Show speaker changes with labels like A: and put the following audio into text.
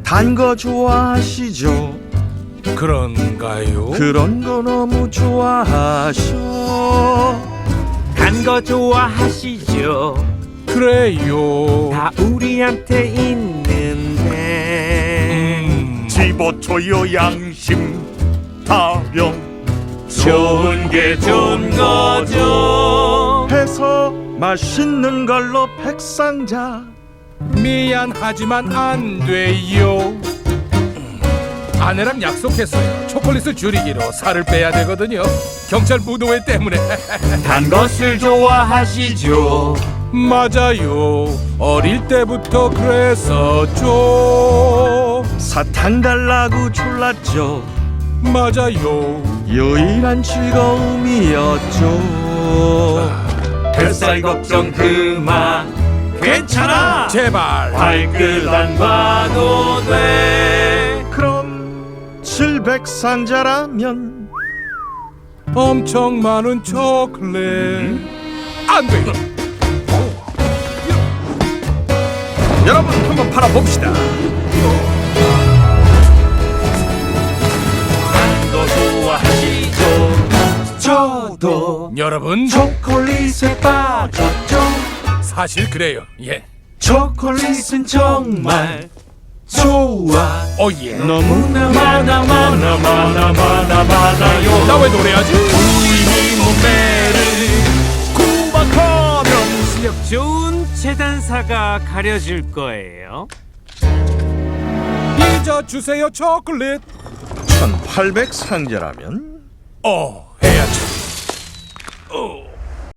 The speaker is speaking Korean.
A: 단 거 좋아하시죠?
B: 그런가요?
A: 그런 거 너무 좋아하셔.
C: 단 거 좋아하시죠?
B: 그래요.
C: 다 우리한테 있는데
D: 집어줘요 양심 타령
C: 좋은 게 좋은 거죠.
A: 해서 맛있는 걸로 백상자.
B: 미안하지만 안 돼요. 아내랑 약속했어요. 초콜릿을 줄이기로 살을 빼야 되거든요. 경찰 무도회 때문에.
C: 단 것을 좋아하시죠?
B: 맞아요. 어릴 때부터 그랬었죠.
A: 사탕 달라고 졸랐죠.
B: 맞아요.
A: 유일한 즐거움이었죠.
C: 뱃살 걱정 그만. 괜찮아.
B: 제발.
C: 발끝 안 봐도 돼.
A: 그럼 700상자라면
B: 엄청 많은 초콜릿. 안 돼.
A: 여러분 한번 팔아봅시다.
C: 단 거 좋아하시죠? 저도
B: 여러분
C: 초콜릿에 빠졌죠.
B: 사실 그래요. 예.
C: 초콜릿은 정말 좋아.
B: 오예.
C: 너무나 많아요.
B: 나 왜 노래하지?
C: 우리 몸매를 구박하면 실력 좋은 재단사가 가려줄 거예요.
B: 잊어주세요 초콜릿.
A: 1800상자라면
B: 해야지.